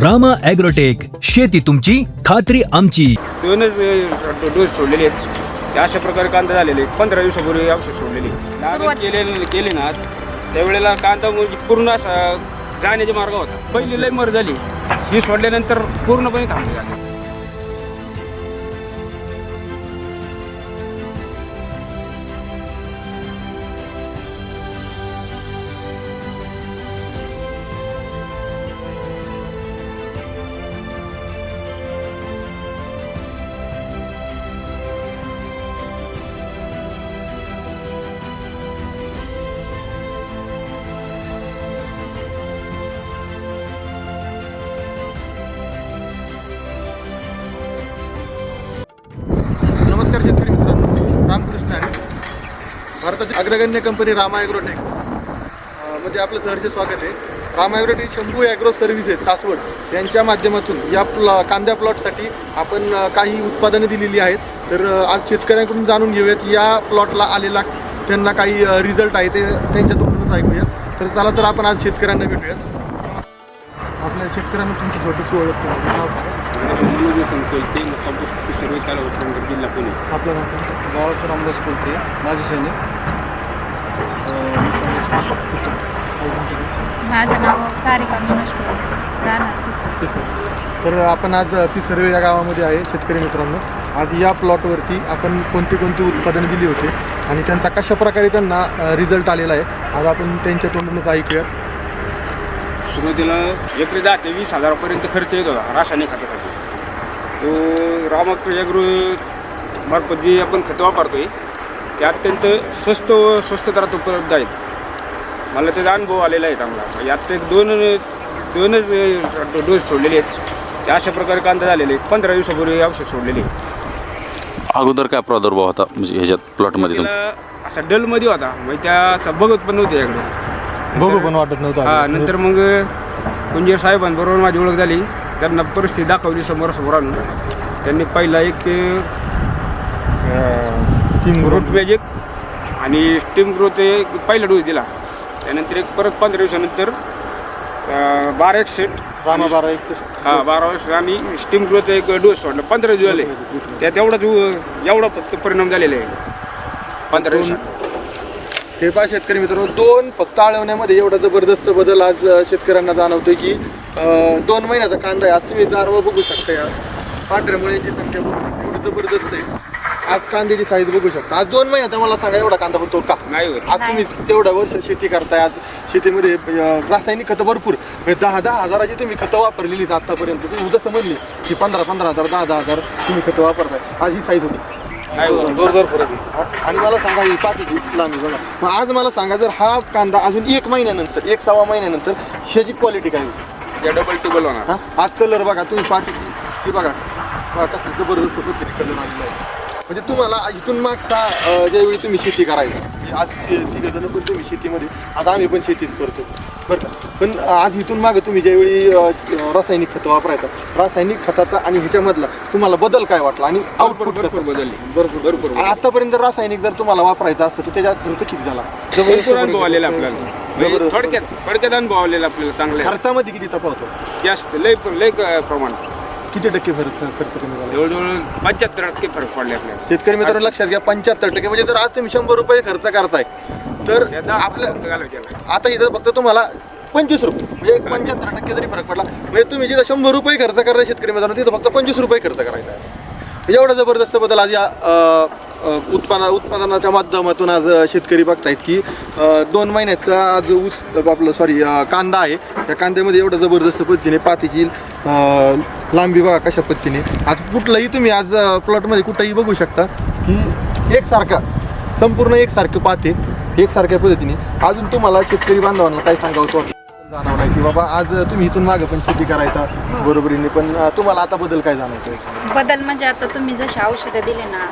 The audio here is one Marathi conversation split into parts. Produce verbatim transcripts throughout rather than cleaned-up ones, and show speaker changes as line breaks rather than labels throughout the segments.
रामा ॲग्रोटेक, शेती तुमची खात्री आमची.
दोनच डोस सोडलेले आहेत. अशा प्रकारे कांदा झालेले पंधरा दिवसापूर्वी औषध सोडलेली लागण केले केली ना त्यावेळेला कांदा म्हणजे पूर्ण असा जाण्याचा मार्ग होता. पहिली लई मर झाली, ही सोडल्यानंतर पूर्णपणे थांबली झाली.
नमस्कार शेतकरी मित्रांनो, रामकृष्ण आहे. भारताची अग्रगण्य कंपनी रामा ॲग्रोटेक मध्ये आपलं सहर्ष स्वागत आहे. रामा ॲग्रोटेक शंभू ॲग्रो सर्व्हिसेस सासवड यांच्या माध्यमातून या प्लॉ कांद्या प्लॉटसाठी आपण काही उत्पादनं दिलेली आहेत. तर आज शेतकऱ्यांकडून जाणून घेऊयात या प्लॉटला आलेला त्यांना काही रिझल्ट आहे ते त्यांच्या तोंडूनच ऐकूयात. तर चला तर आपण आज शेतकऱ्यांना भेटूयात. आपल्या शेतकऱ्यांना तुमची छोटीशी ओळख करा.
कोलते मुक्काम सर्व तालुका उपनगर जिल्हा पुणे.
आपलं
गावाचं रामदास कोलते, माझी सैनिक.
माझं नाव सारिका मनोज राहणार पिसर.
तर आपण आज पिसर्वे या गावामध्ये आहे. शेतकरी मित्रांनो, आज या प्लॉटवरती आपण कोणती कोणती उत्पादनं दिली होती आणि त्यांचा कशा प्रकारे त्यांना रिझल्ट आलेला आहे आज आपण त्यांच्या तोंडूनच ऐकूया.
सुरुवातीला एकरी दहा ते वीस हजारापर्यंत खर्च येत होता रासायनिक खतासाठी. तो रामागृह मार्फत जे आपण खतं वापरतोय ते अत्यंत स्वस्त व स्वस्त दरात उपलब्ध आहेत. मला त्याचा अनुभव आलेला आहे चांगला. यात एक दोन दोनच डोस सोडलेले आहेत. ते अशा प्रकारे कांदा झालेले पंधरा दिवसापूर्वी औषध सोडलेले.
अगोदर काय प्रादुर्भाव होता म्हणजे ह्याच्यात प्लॉटमध्ये
त्याला असा डलमध्ये होता, म्हणजे त्या असं बघत पण नव्हते याकडे.
बघू पण वाटत नव्हतं.
हां, नंतर मग कुंजीर साहेबांबरोबर माझी ओळख झाली. त्यांना परिस्थिती दाखवली समोरासमोर आणून. त्यांनी पहिला एक
तीन
रूट मॅजिक आणि स्टीम ग्रोथ एक पहिला डोस दिला. त्यानंतर एक परत पंधरा दिवसानंतर बारा एक सेट
रामा बारा एक
हां बारा वर्ष आणि स्टीम ग्रोथ एक डोस सोडला. पंधरा दिवस झाले. त्यात एवढाच एवढा फक्त परिणाम झालेला आहे पंधरा दिवसात.
हे पहा शेतकरी मित्रांनो, दोन फक्त आळवण्यामध्ये एवढा जबरदस्त बदल आज शेतकऱ्यांना जाणवतोय की दोन महिन्याचा कांदा आहे. आज तुम्ही दारवा बघू शकता, या पांढऱ्या मुळ्यांची संख्या बघू शकता, एवढी जबरदस्त आहे. आज कांद्याची साईज बघू शकता. आज दोन महिन्याचा मला सांगा एवढा कांदा बनतो का?
नाही होत.
आज तुम्ही तेवढ्या वर्ष शेती करताय. आज शेतीमध्ये रासायनिक खतं भरपूर, दहा दहा हजाराची तुम्ही खतं वापरलेली आतापर्यंत. तुम्ही जसं म्हणली की पंधरा पंधरा हजार दहा दहा हजार तुम्ही खतं वापरताय. आज ही साईज होती. जोर जोर फरक आहे. आणि मला सांगा ही पाठीची लांबी बघा. मग आज मला सांगा, जर हा कांदा अजून एक महिन्यानंतर एक सव्वा महिन्यानंतर ह्याची क्वालिटी काय होती?
या डबल टिबल होणार.
हां, आज कलर बघा तुम्ही पाठीची ही बघा कसं जबरदस्त पद्धतीने कलर आलेला आहे. म्हणजे तुम्हाला इथून मागचा ज्यावेळी तुम्ही शेती करायची, आज तिघ जण पण तुम्ही शेतीमध्ये, आता आम्ही पण शेतीच करतो बरं का, पण आज इथून मागं तुम्ही ज्यावेळी रासायनिक खतं वापरायचं, रासायनिक खताचा आणि ह्याच्यामधला तुम्हाला बदल काय वाटला आणि आउटपुट
भरपूर बदलली.
बरोबर बरोबर. आतापर्यंत रासायनिक जर तुम्हाला वापरायचं असतं तर त्याचा खर्च किती झाला?
भरपूर अनुभव आलेला आपल्याला. म्हणजे थोडक्यात थोडक्यात अनुभव आलेला आपल्याला चांगला.
खर्चामध्ये किती तफावत होतो?
जास्त लय लय प्रमाण.
किती टक्के फरक खर्च कमी झाला?
जवळजवळ पंच्याहत्तर टक्के फरक पडले आपल्याला.
शेतकरी मित्रांनो लक्षात घ्या, पंच्याहत्तर टक्के. म्हणजे जर आज तुम्ही शंभर रुपये खर्च करताय तर आपल्या आता इथं फक्त तुम्हाला पंचवीस रुपये म्हणजे एक पंच्याहत्तर टक्के जरी फरक पडला, म्हणजे तुम्ही जिथं शंभर रुपये खर्च करायला शेतकरी मित्रांनो तिथं फक्त पंचवीस रुपये खर्च करायचा आहे. एवढा जबरदस्त बदल आज या उत्पादना उत्पादनाच्या माध्यमातून आज शेतकरी बघतायत की दोन महिन्याचा आज ऊस आपलं सॉरी कांदा आहे. त्या कांद्यामध्ये एवढं जबरदस्त पद्धतीने पातीची लांबी बघा कशा पद्धतीने. आज कुठलंही तुम्ही आज प्लॉटमध्ये कुठंही बघू शकता की एकसारखा संपूर्ण एकसारखं पाते एकसारख्या पद्धतीने. अजून तुम्हाला शेतकरी बांधवांना काय सांगावं वाटतं जाणवलं की बाबा आज तुम्ही इथून मागं पण शेती करायचा बरोबरीने, पण तुम्हाला आता बदल काय जाणवतोय?
बदल म्हणजे आता तुम्ही जशी औषधं दिले ना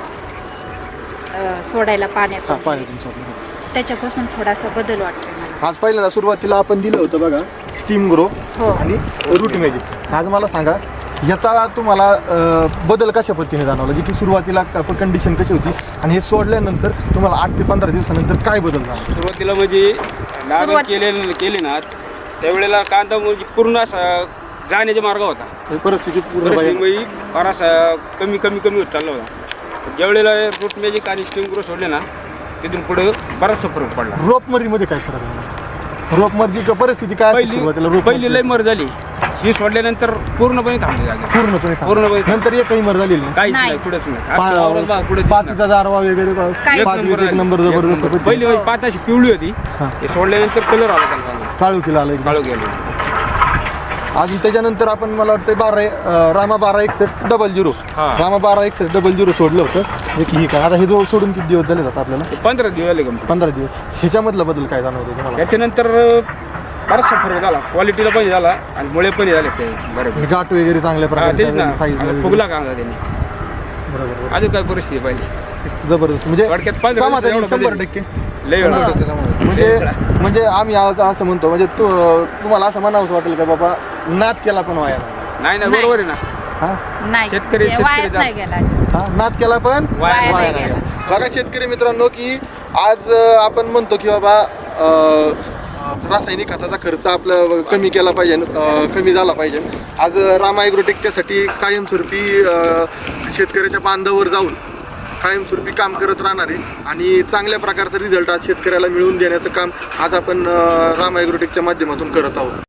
सोडायला पाण्यात, त्याच्यापासून थोडासा बदल वाटतोय मला.
आज पहिल्यांदा सुरुवातीला आपण दिलं होतं बघा स्टीम ग्रो
हो.
आणि रूट मॅजिक. आज मला सांगा याचा तुम्हाला बदल कशा पद्धतीने जाणवला, जी की सुरुवातीला कंडिशन कशी होती आणि हे सोडल्यानंतर तुम्हाला आठ ते पंधरा दिवसानंतर काय बदल झाला?
सुरुवातीला म्हणजे लागण केले केली ना त्यावेळेला कांदा म्हणजे पूर्ण असा जाण्याचा मार्ग होता.
ही परिस्थिती पूर्ण
परिस्थिती
भयानक.
म्हणजे बराचसा कमी कमी कमी होत चालला होता. ज्यावेळेला रूट मॅजिक आणि स्टीम ग्रो सोडले ना तिथून पुढे बराचसा फरक पडला.
रोपमरीमध्ये काय फरक आहे? रोपमरची परिस्थिती काय असते सुरुवातीला?
पहिली
रोप
पहिली लय मर झाली. ही सोडल्यानंतर पूर्णपणे थांबली जागा.
पूर्णपणे
पूर्णपणे
नंतर एकही मर झालेली नाही.
काहीच
नाही.
नाही पुढेच नाही. आज वावरात बघा, पुढे दिसणार.
पातीचा जारवा वगैरे
काही
पाच वीस एक नंबर
एक
जबरदस्त
नंबर. पहिली
पद्धती.
पात अशी पिवळी होती.
हा.
हे सोडल्यानंतर कलर आला त्याला.
काळू केला आलं एकदम.
काळू गेलो.
अजून त्याच्यानंतर आपण मला वाटतं बारा अं, रामा बारा एकसष्ट डबल झिरो
हा.
रामा बारा एकसष्ट डबल झिरो सोडलं होतं एक ही काय आता हे जो सोडून किती दिवस झाले जातात आपल्याला?
हे पंधरा दिवस आले गमती.
पंधरा दिवस. ह्याच्यामधला बदल काय जाणवतो तुम्हाला?
त्याच्यानंतर बराचसा फरक झाला. क्वालिटीला पण झाला आणि मुळे पण झाले ते बरोबर.
गाठ वगैरे चांगल्या
तेच ना
प्रकारे
असं फुगला का अंगा त्यांनी.
बरोबर
अजून काय परिस्थिती पाहिजे
जबरदस्त म्हणजे
थोडक्यात पंधरा दिवस
समाधानी
एवढं
शंभर
बदल.
टक्के.
लय वेळ होता.
म्हणजे म्हणजे आम्ही आज असं म्हणतो म्हणजे तू तुम्हाला असं म्हणावंसं वाटेल का बाबा नाद केला पण वाया नाही.
नाही ना
नाही.
बरोबर आहे ना.
हा
नाही
शेतकरी-
हे
शेतकरी
वायाच
जा-
नाही गेला.
हा नाद केला पण
वाया
नाही
नाही
गेला.
गेला. बघा शेतकरी मित्रांनो की आज अं, आपण म्हणतो की बाबा अं, रासायनिक खताचा खर्च आपला कमी केला पाहिजे, अं, कमी झाला पाहिजे. आज रामा ॲग्रोटेक त्यासाठी कायमस्वरूपी अं, शेतकऱ्याच्या बांधावर जाऊन कायमस्वरूपी काम करत राहणार आहे आणि चांगल्या प्रकारचा रिझल्ट आज शेतकऱ्याला मिळवून देण्याचं काम आज आपण अं, रामा ॲग्रोटेकच्या माध्यमातून करत आहोत.